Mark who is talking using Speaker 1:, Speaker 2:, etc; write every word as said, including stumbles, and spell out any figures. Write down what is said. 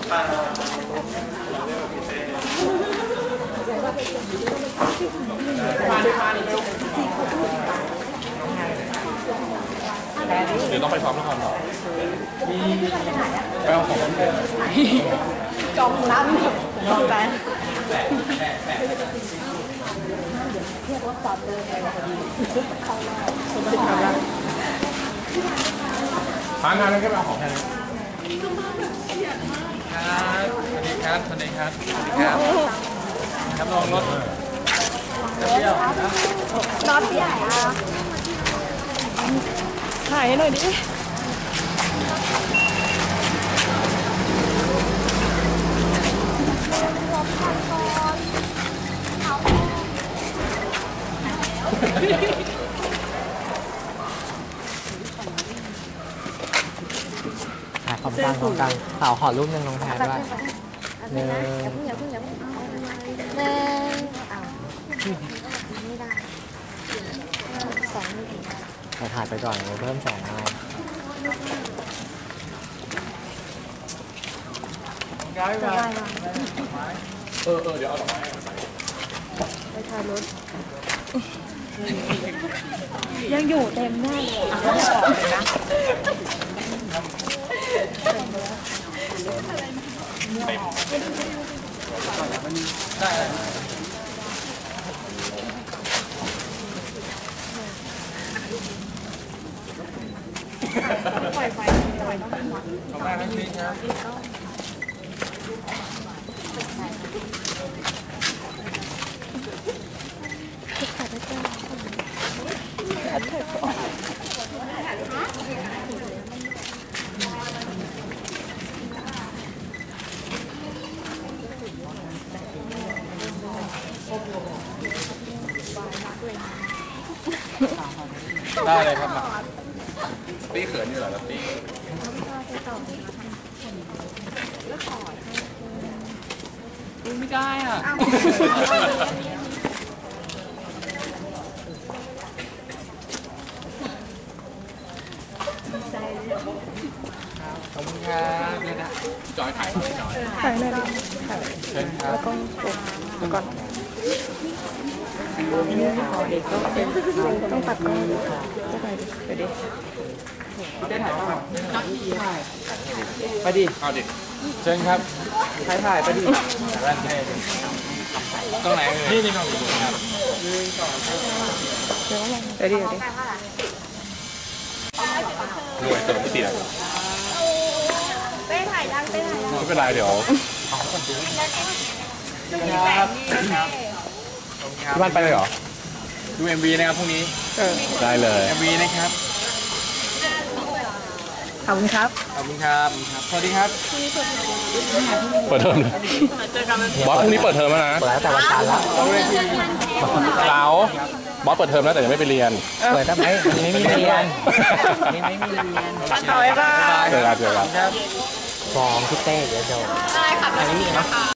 Speaker 1: เดี๋ยวต้องไปซ้อมละครต่อไปเอาของ
Speaker 2: จองร้านจองร้านเรียกว่าสอบเลย
Speaker 1: ทานงานนั้นก็ไปเอาของแค่นี้ครับสวัสดีครับสวัสดีครับสวัสดีครับครับลองรถเปรี้ยว
Speaker 2: รถใหญ่อะถ่ายให้หน่อยดิ
Speaker 3: ถ่ายขอบกลางขอบกลางสาวขอรูปหนึ่งลงแทนด้วยหนึ่งอย่าเพิ่งอย่าเพิ่งอย่าเพิ่งหนึ่งอ้าวไม่ได้สองไม่ถึงเราถ่ายไปก่อนเพิ่มสองมา
Speaker 1: ย้ายมาเออเออเดี๋ยวเอาดอกไม้
Speaker 2: ไปถ่ายรถยังอยู่เต็มแน่เลยอ่ะไม่ออกเลยนะ
Speaker 1: ได้
Speaker 2: ปล่อยไฟปล่อยต้องเป็นหวัง
Speaker 1: ขอบคุณครับพี่ครับได้เลยครับตี้เขินอยู่เหรอตี้ไม่ได้อ่ะขอบคุณครับเนี่ยนะจอยถ่ายจอย
Speaker 2: ถ่ายหน่อยดิถ่าย
Speaker 1: เชิญครับ
Speaker 2: แล้วก็เดี๋ยวก่อนเด็กก็เป็นต้องตัดกล้องจะไปดิไปดิ
Speaker 1: ได้ถ่ายป่ะไปดิเอาดิเชิญครับถ่ายถ่ายไปดิร้านเท่ตรงไหนนี่นี่กล้องอยู่ครับ
Speaker 2: เดี๋ยวไปดิเดี๋ยวดิ
Speaker 1: รวยเติมไม่ติดอ่ะ
Speaker 2: เต้ถ่ายยังเต้ถ่ายยัง
Speaker 1: ไม่เป็นไรเดี๋ยว
Speaker 2: ครับ
Speaker 1: ที่บ้านไปเลยเหรอดู เอ็ม วี นะครับพรุ่งนี้ได้เลย เอ็ม วี นะครับ
Speaker 2: ขอบคุณครับ
Speaker 1: ขอบคุณครับสวัสดีครับเปิดเทอมบอสพรุ่งนี้เปิดเทอมแล้วนะ
Speaker 3: เปิดแล้วแต่วันจันทร์แล้ว
Speaker 1: เราบอสเปิดเทอมแล้วแต่ยังไม่ไปเรียน
Speaker 3: เปิดทำไมไม่มีเรียนไม่มีเรียน
Speaker 2: ต่อยบ้าง
Speaker 1: เจอกันเจอกัน
Speaker 3: ฟ้องพี่เต้เดี๋ยวโดน